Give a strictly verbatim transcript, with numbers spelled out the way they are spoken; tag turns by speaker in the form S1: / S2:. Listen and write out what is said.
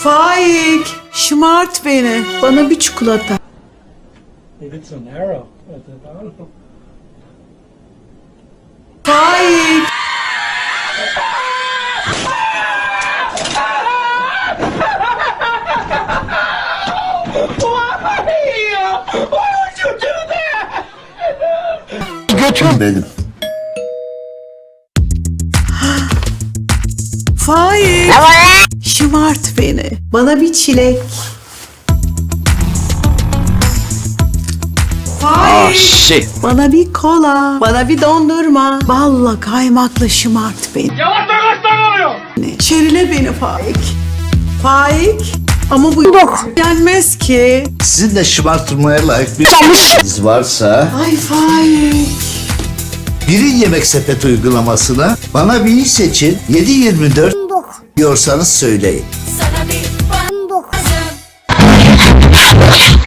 S1: Faik, şımart beni. Bana bir çikolata. Faik.
S2: Götür benim.
S1: Faik. Şımart beni. Bana bir çilek. Faik.
S2: Şey.
S1: Bana bir kola. Bana bir dondurma. Balla kaymakla şımart beni.
S3: Yavaş yavaş oluyor.
S1: Şerile beni Faik. Faik. Ama bu yenmez ki.
S2: Sizin de şımartılmaya layık bir iz varsa
S1: Ay Faik.
S2: birin yemek sepet uygulamasına bana bir iyi seçin yedi yirmi dört diyorsanız söyleyin.
S4: Sana bir bak lazım.